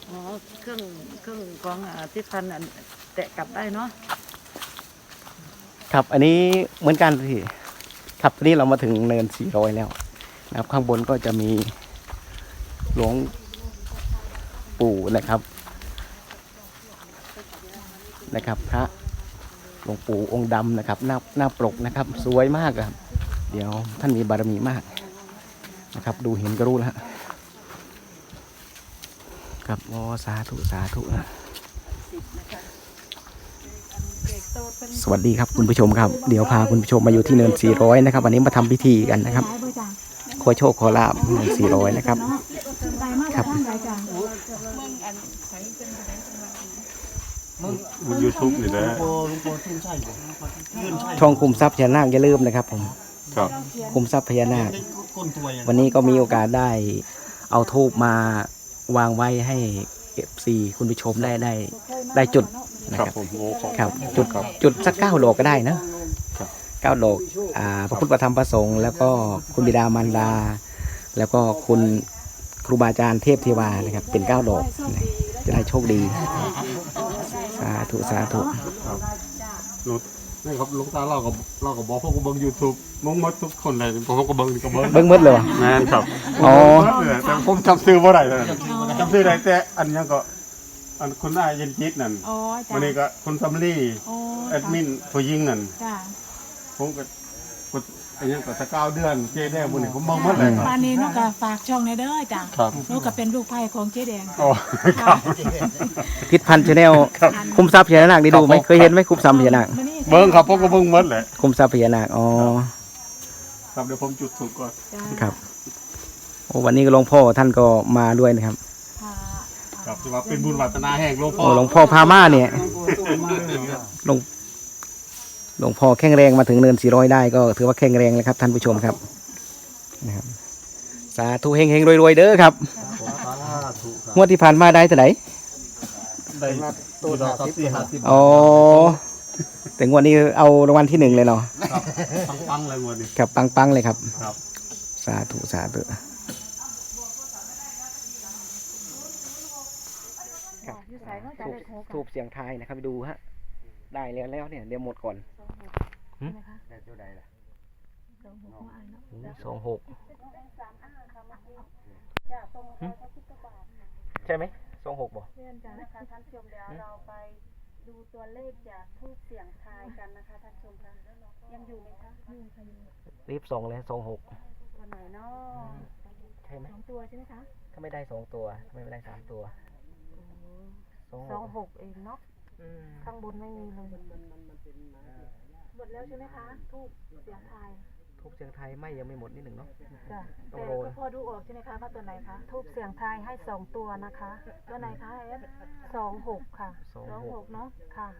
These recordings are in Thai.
อ๋อเครื่องของที่พันแตะกลับได้เนาะครับอันนี้เหมือนกันพี่ครับตอนนี้เรามาถึงเนิน400แล้วนะครับข้างบนก็จะมีหลวงปู่นะครับพระหลวงปู่องค์ดำนะครับหน้าปกนะครับสวยมากครับเดี๋ยวท่านมีบารมีมากนะครับดูเห็นก็รู้แล้วครับโอ้สาธุนะสวัสดีครับคุณผู้ชมครับเดี๋ยวพาคุณผู้ชมมาอยู่ที่เนิน400นะครับวันนี้มาทำพิธีกันนะครับขอโชคขอลาบเนิน400นะครับครับบน YouTube นี่นะช่องคุมทรัพย์พญานาคอย่าลืมนะครับผมครับคุมทรัพย์พญานาควันนี้ก็มีโอกาสได้เอาทูบมาวางไว้ให้ FC คุณผู้ชมได้จุดนะครับผมโอ้ขอบครับคุณครับจุดสัก9 ดอกก็ได้นะ9 ดอกพระพุทธธรรมประสงค์แล้วก็คุณบิดามารดา แล้วก็คุณครูบาอาจารย์เทพเทวานะครับเป็น9 ดอกจะได้โชคดีสาธุนี่ครับลูกตาเราก็บอกพวกกูเบิ้ง YouTube มึงหมดทุกคนเลยพวกกูเบิ้งนี่ก็เบิ้งเบิ้งมืดเลยวะแม่นครับอ๋อแต่ผมจำชื่อบ่ได้เลยจำชื่อได้แต่อันยังก็อันคุณนายเย็นจิตนั่นวันนี้ก็คุณซัมลี่แอดมินผู้หญิงนั่นผมก็อันยังก็9 เดือนเจ๊แดงมื้อนี้ผมเบิ่งหมดเลยครับปานนี้นุก็ฝากช่องในเด้อจ้ะครับนุก็เป็นลูกไผ่ของเจ๊แดงอ๋อครับพิษพันธ์ชาแนลคุมทรัพย์พญานาคได้ดูไหมเคยเห็นไหมคุมทรัพย์พญานาคเบิ้งครับพวกกูเบิ้งหมดเลยคุมทรัพย์พญานาคอ๋อครับเดี๋ยวผมจุดธูปก่อนครับโอ้วันนี้ก็หลวงพ่อท่านก็มาด้วยนะครับครับที่ว่าเป็นบุญวัฒนาแห่งหลวงพ่อโอ้หลวงพ่อพามาเนี่ยหลวงพ่อแข็งแรงมาถึงเนิน400ได้ก็ถือว่าแข็งแรงเลยครับท่านผู้ชมครับนะครับสาธุเฮงๆรวยๆเด้อครับงวดที่ผ่านมาได้เท่าไหร่ได้ตัว40 อ๋อแต่งวดนี้เอารางวัลที่1เลยเนาะครับปังๆเลยงวดนี้ครับปังๆเลยครับครับสาธุทูบเสียงทายนะครับไปดูฮะได้แล้วเนี่ยเดี๋ยวหมดก่อนได้ตัวใดล่ะ26ใช่ไหม26บ่นะคะท่านผู้ชมเดี๋ยวเราไปดูตัวเลขจากทูบเสียงทายกันนะคะท่านผู้ชมคะยังอยู่ไหมคะรีบส่งเลย26 ตัวไหนเนาะใช่ไหม 2 ตัวใช่ไหมคะถ้าไม่ได้2 ตัวทำไมไม่ได้3 ตัว 26เองเนาะข้างบนไม่มีเลยหมดแล้วใช่ไหมคะทูบเสียงทายทูบเสียงไทยไม่ยังไม่หมดนิดหนึ่งเนาะจ้ะต้องแต่โรยก็พอดูออกใช่ไหมคะว่าตัวไหนคะทูบเสียงทายให้2 ตัวนะคะตัวไหนคะเอฟ26ค่ะ26เนาะค่ะ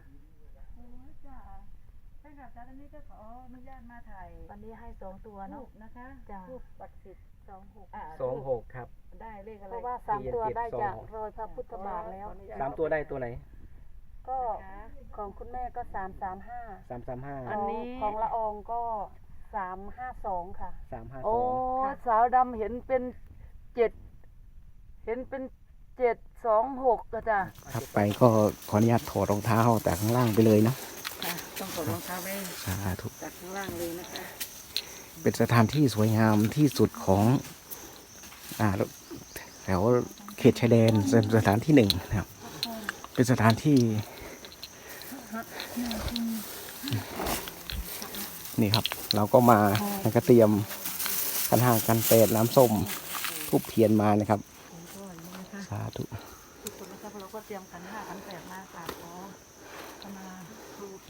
ใช่ค่ะตอนนี้ก็ขออนุญาตมาถ่ายวันนี้ให้2 ตัวเนาะนะคะทูบปักสิทธิ์ 26ครับได้เลขอะไรเพราะว่า3 ตัวได้จากโรยพระพุทธบาทแล้ว 3 ตัวได้ตัวไหนก็ของคุณแม่ก็335 335 อันนี้ของละอองก็352ค่ะ 352 โอ้สาวดำเห็นเป็น7เห็นเป็น726ก็จ้ะครับไปก็ขออนุญาตถอดรองเท้าจากข้างล่างไปเลยเนาะต้องถอดรองเท้าไว้สาธุจากข้างล่างเลยนะคะเป็นสถานที่สวยงามที่สุดของแถวเขตชายแดนเป็นสถานที่1นะครับเป็นสถานที่นี่ครับเราก็มาแล้วก็เตรียมขันห้ากันเปดน้ำส้มทูบเทียนมานะครับสาธุทุกคนนะครับเราก็เตรียมขัน 5 ขัน 8มากราบขอขมาทูบ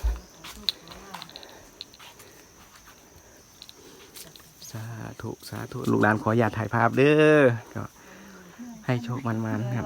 สาธุลูกหลานขออย่าถ่ายภาพเด้อก็ให้โชคมันครับ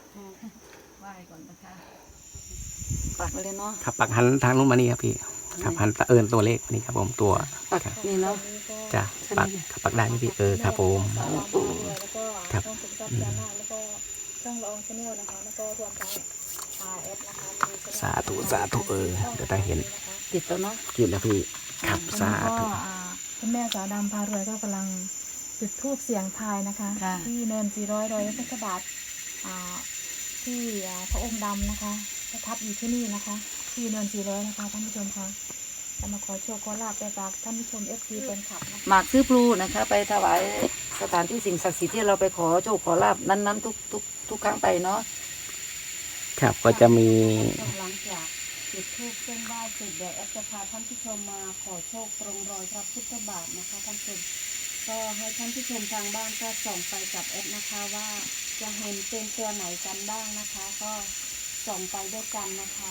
ปักเลยเนาะครับปักหันทางนู้นมานี่ครับพี่ครับหันตัวเลขนี่ครับผมตัวปักนี่เนาะจ้ะปักได้ไหมพี่ครับผมครับช่องละอองชาแนลนะคะแล้วก็รวมทั้งRS นะคะสาธุเดี๋ยวได้เห็นติดแล้วเนาะกินแล้วพี่ครับสาธุคุณแม่สาวดำพารวยก็กำลังจุดธูปเสียงทายนะคะที่เนิน400 รอยพระพุทธบาทที่พระองค์ดำนะคะประทับอยู่ที่นี่นะคะ ที่เนิน400นะคะท่านผู้ชมคะจะมาขอโชคขอลาบไปฝากท่านผู้ชม FG เป็นขับนะคะหมากซื้อพลูนะคะไปถวายสถานที่สิ่งศักดิ์สิทธิ์ที่เราไปขอโชคขอลาบนั้นๆทุกครั้งไปเนาะครับก็จะมีหลังจากจุดธูปเส้นไหว้เสร็จเดี๋ยวแอดจะพาท่านผู้ชมมาขอโชคตรงรอยพระพุทธบาทนะคะท่านผู้ชมก็ให้ท่านผู้ชมทางบ้านก็ส่องไปกับแอดนะคะว่าจะเห็นเป็นตัวไหนกันบ้างนะคะ ก็ส่องไปด้วยกันนะคะ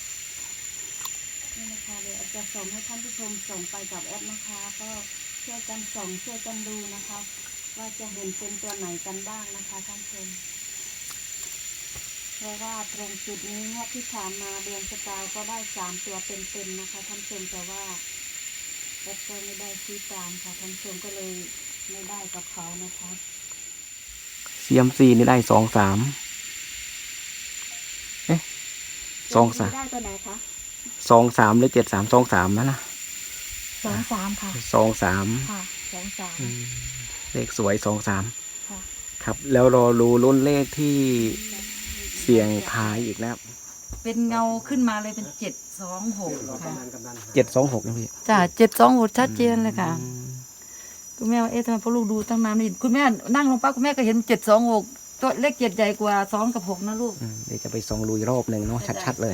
นี่นะคะเดี๋ยวแอดจะส่งให้ท่านผู้ชมส่องไปกับแอดนะคะ ก็ช่วยกันส่องช่วยกันดูนะคะ ว่าจะเห็นเป็นตัวไหนกันบ้างนะคะท่านผู้ชมเพราะว่าตรงจุดนี้งวดที่ผ่านมาเดือนสกาวก็ได้3 ตัวเป็นๆนะคะท่านผู้ชมแต่ว่าแอดก็ไม่ได้ซื้อตามค่ะท่านผู้ชมก็เลยไม่ได้กับเขานะคะ CMC นี่ได้23เอ๊ะ23 ได้ตัวไหนคะ 23หรือ7323นะ 23ค่ะ 23 ค่ะ23 เลขสวย23 ค่ะครับแล้วรอรู้รุ่นเลขที่เสี่ยงทายอีกนะครับเป็นเงาขึ้นมาเลยเป็น726ค่ะ 726นะพี่จ้ะ726ชัดเจนเลยค่ะคุณแม่ว่าทำไมพอลูกดูตั้งนานไม่เห็นคุณแม่นั่งลงปั๊บคุณแม่ก็เห็น726ตัวเลข7ใหญ่กว่า2กับ6นะลูกเดี๋ยวจะไปส่องลุยรอบหนึ่งเนาะชัดๆเลย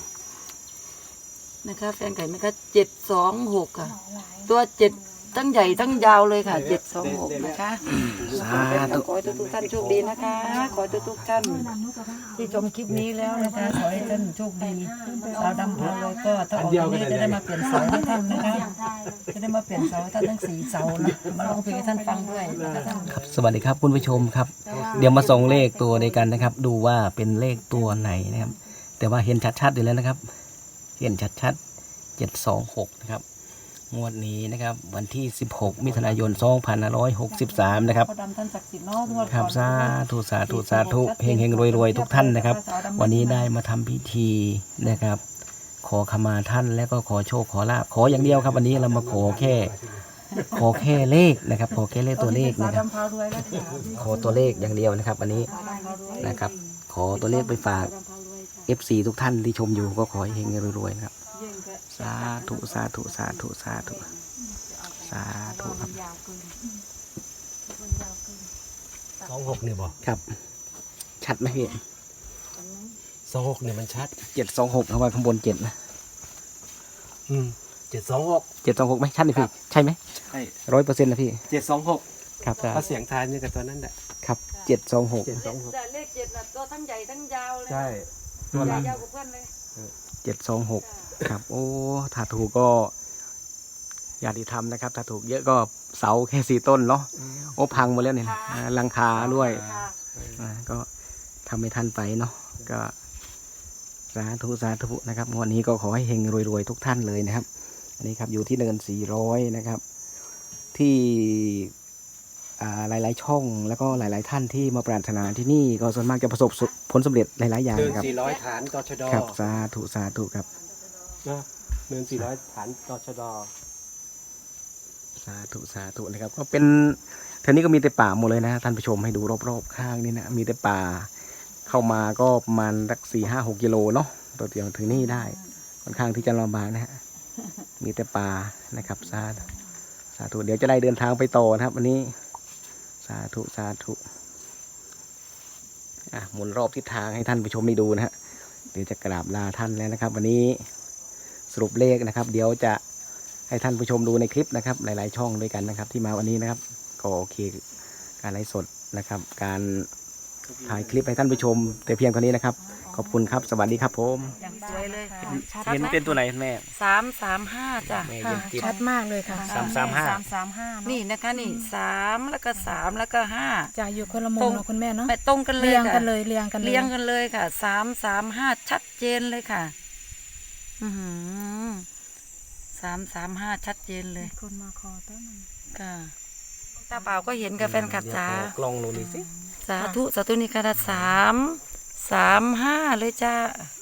นะคะแฟนไก่ไหมคะ726ค่ะตัว7ตั้งใหญ่ตั้งยาวเลยค่ะ726นะคะสาธุขอให้ทุกท่านโชคดีนะคะ ขอให้ทุกท่านที่ชมคลิปนี้แล้วนะคะขอให้ท่านโชคดีสาวดำพาเลยก็ถ้าออกจากนี้จะได้มาเปลี่ยนเสาให้ท่านนะคะจะได้มาเปลี่ยนเสาให้ท่านทั้ง4เสานะมาร้องเพลงให้ท่านฟังด้วยนะคะท่านสวัสดีครับคุณผู้ชมครับ เดี๋ยวมาส่งเลขตัวเดียวกันนะครับ ดูว่าเป็นเลขตัวไหนนะครับ แต่ว่าเห็นชัดๆอยู่แล้วนะครับ เห็นชัดๆ726นะครับงวดนี้นะครับวันที่16มิถุนายน2563นะครับพ่อดำท่านศักดิ์สิทธิ์เนาะงวดครับก่อนสาธุสาธุสาธุเฮงเฮงรวยรวยทุกท่านนะครับ วันนี้ได้มาทำพิธีนะครับ ขอขมาท่านแล้วก็ขอโชคขอลาภขออย่างเดียวครับ วันนี้เรามาขอแค่เลขนะครับ ขอแค่เลขตัวเลขสาวนะครับดำพารวยแล้วค่ะขอตัวเลขอย่างเดียวนะครับ วันนี้สาวดำพารวยนะครับ ขอตัวเลขไปฝากสาวดำพารวยค่ะ FC ทุกท่านที่ชมอยู่ก็ขอให้เฮงรวยๆนะครับเยี่ยมค่ะสาธุสาธุสาธุสาธุสาธุครับยาวเกินมันยาวเกิน 26นี่บ่ครับ ชัดไหมพี่ 26นี่มันชัด 726เอาไว้ข้างบน7นะ 726 726ไหมชัดไหมพี่ใช่ไหมใช่ 100%นะพี่ 726 ครับถ้าเสียงทายนี่กับตัวนั้นแหละครับ726 726 แต่เลข7น่ะตัวทั้งใหญ่ทั้งยาวเลยใช่ตัวใหญ่ยาวกว่าเพื่อนเลย 726ครับโอ้ถ้าถูกก็ญาติธรรมนะครับถ้าถูกเยอะก็เสาแค่4 ต้นเนาะโอ้พังหมดแล้วเนี่ยหลังคาด้วยก็ทำให้ท่านไปเนาะก็สาธุสาธุนะครับวันนี้ก็ขอให้เฮงรวยๆทุกท่านเลยนะครับ อันนี้ครับอยู่ที่เนิน400นะครับ ที่หลายๆช่องแล้วก็หลายๆท่านที่มาปรารถนาที่นี่ก็ส่วนมากจะประสบผลสำเร็จหลายๆอย่างเนินนะครับ 400 ฐานตชดครับสาธุสาธุครับนะเนิน400 ฐานตชดสาธุสาธุนะครับก็เป็นแถวนี้ก็มีแต่ป่าหมดเลยนะท่านผู้ชมให้ดูรอบๆข้างนี่นะมีแต่ป่าเข้ามาก็ประมาณสัก4-5-6 กิโลเนาะตัวเดียวถึงนี่ได้ค่อนข้างที่จะลำบากนะฮะมีแต่ป่านะครับสาธุเดี๋ยวจะได้เดินทางไปต่อนะครับวันนี้สาธุสาธุหมุนรอบทิศทางให้ท่านผู้ชมได้ดูนะฮะเดี๋ยวจะกราบลาท่านแล้วนะครับ วันนี้สรุปเลขนะครับ เดี๋ยวจะให้ท่านผู้ชมดูในคลิปนะครับ หลายๆช่องด้วยกันนะครับ ที่มาวันนี้นะครับก็โอเคการไลฟ์สดนะครับ การถ่ายคลิปให้ท่านผู้ชมแต่เพียงเท่านี้นะครับขอบคุณครับสวัสดีครับผมอย่างสวยเลยเห็นเป็นตัวไหนแม่ 335จ้ะแม่ค่ะเย็นจิตชัดมากเลยค่ะ 335 นี่นะคะนี่3แล้วก็3แล้วก็5 จะอยู่คนละมุมเนาะคุณแม่เนาะไปตรงกันเลยเรียงค่ะกันเลยเรียงกันเลยเรียงกันเลยค่ะ335ชัดเจนเลยค่ะ335ชัดเจนเลยคนมาขอต้นมันค่ะตาเปล่าก็เห็นกับแฟนคลับจ้ากลองลงนี่สิสาธุสาธุนี่ค่ะ335เลยจ้า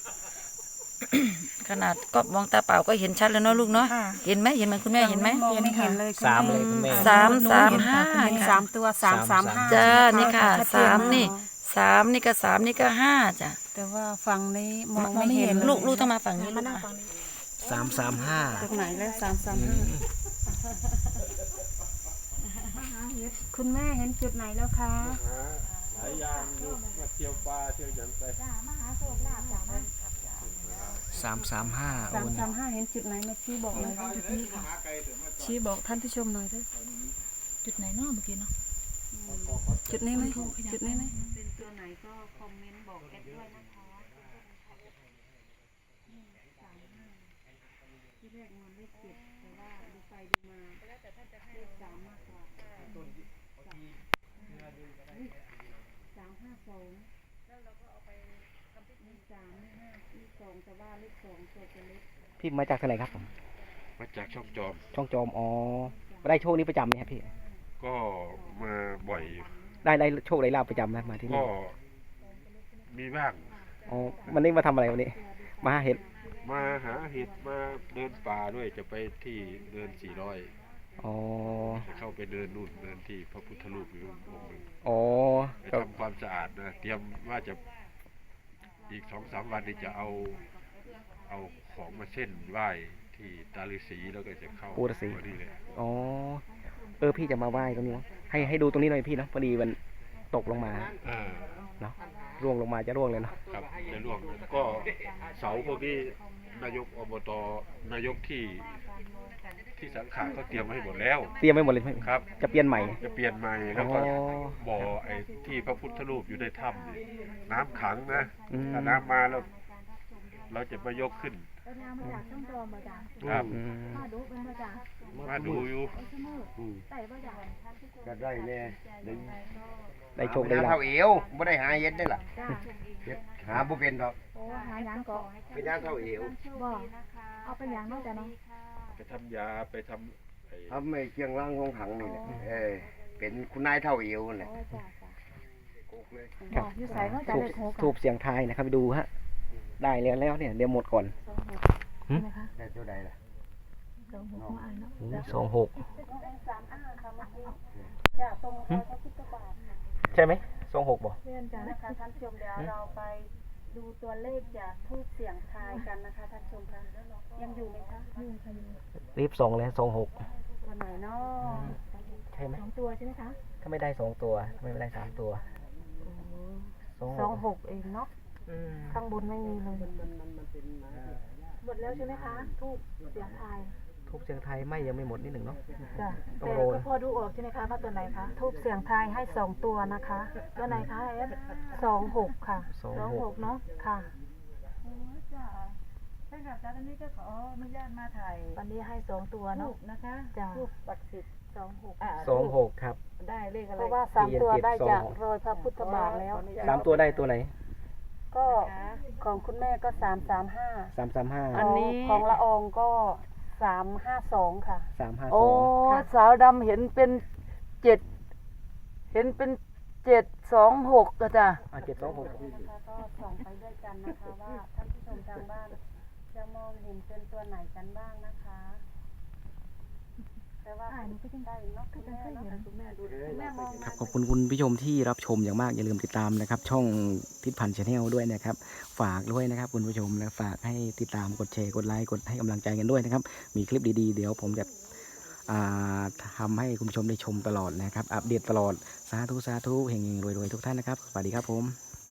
ขนาดก็มองตาเปล่าก็เห็นชัดแล้วเนาะลูกเนาะเห็นไหมเห็นเหมือนคุณแม่เห็นไหมเห็นเลย 3เลยคุณแม่ 335 3 ตัว335 จ้านี่ค่ะ3นี่ 3นี่ก็3นี่ก็5จ้ะแต่ว่าฝั่งนี้มองไม่เห็นลูกต้องมาฝั่งนี้มานั่งฝั่งนี้ 335 ตรงไหนแล้ว335คุณแม่เห็นจุดไหนแล้วคะหลายอย่างอยู่มาเที่ยวปลาเที่ยวหยังไป 335โอ้ย 335เห็นจุดไหนมาชี้บอกหน่อยจุดนี้ค่ะชี้บอกท่านผู้ชมหน่อยด้วยจุดไหนเนาะเมื่อกี้เนาะจุดนี้ไหมจุดนี้ไหมเป็นตัวไหนก็คอมเมนต์บอกแอดด้วยนะคะที่แรกมันเลข7แต่ว่าดูไปดูมาเลข3มากกว่า352แล้วเราก็เอาไปทำพิธี3เลข5เลข2แต่ว่าเลข2ตัวจะเล็กพี่มาจากที่ไหนครับผมมาจากช่องจอมช่องจอมอ๋อได้โชคนี้ประจำไหมครับพี่ก็มาบ่อยอยู่ได้โชคได้ลาบประจำนะมาที่ก็นี่มีบ้างอ๋อวันนี้มาทำอะไรวันนี้มาหาเห็ดมาหาเห็ดมาเดินป่าด้วยจะไปที่เดิน400 อ๋อจะเข้าไปเดินนู่นเดินที่พระพุทธรูปอยู่องค์หนึ่งอ๋อไปครับทำความสะอาดนะเตรียมว่าจะอีก2-3 วันนี้จะเอาของมาเส้นไหว้ที่ตาฤาษีแล้วก็จะเข้าปูฤาษีวันนี้เลยอ๋อพี่จะมาไหว้ตรงนี้เนอะให้ดูตรงนี้หน่อยพี่เนาะพอดีมันตกลงมาอ่าเนาะร่วงลงมาจะร่วงเลยเนาะครับในร่วงก็เสาพวกนี้นายกอบตนายกที่สังขารเขาเตรียมไว้ให้หมดแล้วเตรียมไว้หมดเลยใช่ไหมครับจะเปลี่ยนใหม่จะเปลี่ยนใหม่แล้วอ๋ก็อบ่อไอ้ที่พระพุทธรูปอยู่ในถ้ำนี่น้ำขังนะอืมถ้าน้ำมาแล้วเราจะมายกขึ้นแล้วน้ำมาจากช่องจอมมาจากครับอืมมาดูเป็นมาจากมาดูอยู่ใส่มาจากก็ได้แน่ได้โชคได้ลาบเท่าเอวบ่ได้หาเย็ดได้ล่ะจ้าเฮ็ดหาบ่เป็นดอกโอ้หาหยังเกาะเป็นย่างเท่าเอวบ่เอาเป็นหยังเนาะจ้ะเนาะไปทำยาไปทำไอ้ทำไอ้เกียงล่างของขังนี่แหละเป็นคุณนายเท่าเอวนั่นแหละโอ้จ้าจ้ากุกเลยบ่อยู่ใส่เนาะจ้ะทูบเลขหกทูบเสียงทายนะครับไปดูฮะได้แล้วเนี่ยเดี๋ยวหมดก่อนใช่ไหมคะได้ตัวใดล่ะ 26หัวอ่านเนาะ 26 จะตรงรอยพระพุทธบาทใช่ไหม26บ่เรียนจ้ะนะคะท่านผู้ชมเดี๋ยวเราไปดูตัวเลขจากทูบเสียงทายกันนะคะท่านผู้ชมคะยังอยู่ไหมคะอยู่ค่ะอยู่รีบส่งเลย26 ตัวไหนเนาะใช่ไหม 2ตัวใช่ไหมคะถ้าไม่ได้2ตัวทำไมไม่ได้3ตัว 26เองเนาะอืมข้างบนไม่มีเลยหมดแล้วใช่ไหมคะทูบเสียงทายทูบเสียงไทยไม่ยังไม่หมดนิดหนึ่งเนาะจ้ะต้องแต่โรยก็พอดูออกใช่ไหมคะว่าตัวไหนคะทูบเสียงทายให้2ตัวนะคะตัวไหนคะเอฟ 26ค่ะ 26เนาะค่ะจ้าท่านกับจ้าท่านนี้ก็ขออนุญาตมาถ่ายวันนี้ให้2ตัวเนาะนะคะจ้ะทูบปักสิทธิ์26 26ครับได้เลขอะไรเพราะว่า3ตัวได้จากรอยพระพุทธบาทแล้ว 3ตัวได้ตัวไหนก็ของคุณแม่ก็335 335 อันนี้ของละอองก็352ค่ะโอ้ 352 สาวดำเห็นเป็น7เห็นเป็น726ก็จ้ะ 726 นะคะก็ส่องไปด้วยกันนะคะว่าท่านผู้ชมทางบ้านจะมองเห็นเป็นตัวไหนกันบ้างนะคะ แต่ว่าได้เนาะคุณแม่เนาะคุณแม่ดูคุณแม่มองครับขอบคุณคุณผู้ชมที่รับชมอย่างมากอย่าลืมติดตามนะครับ ช่องทิศพันธ์ชาแนลด้วยนะครับ ฝากด้วยนะครับคุณผู้ชมนะฝากให้ติดตามกดแชร์กดไลค์กดให้กำลังใจกันด้วยนะครับ มีคลิปดีๆเดี๋ยวผมจะทำให้คุณผู้ชมได้ชมตลอดนะครับ อัปเดตตลอดสาธุเฮงๆรวยๆทุกท่านนะครับสวัสดีครับผม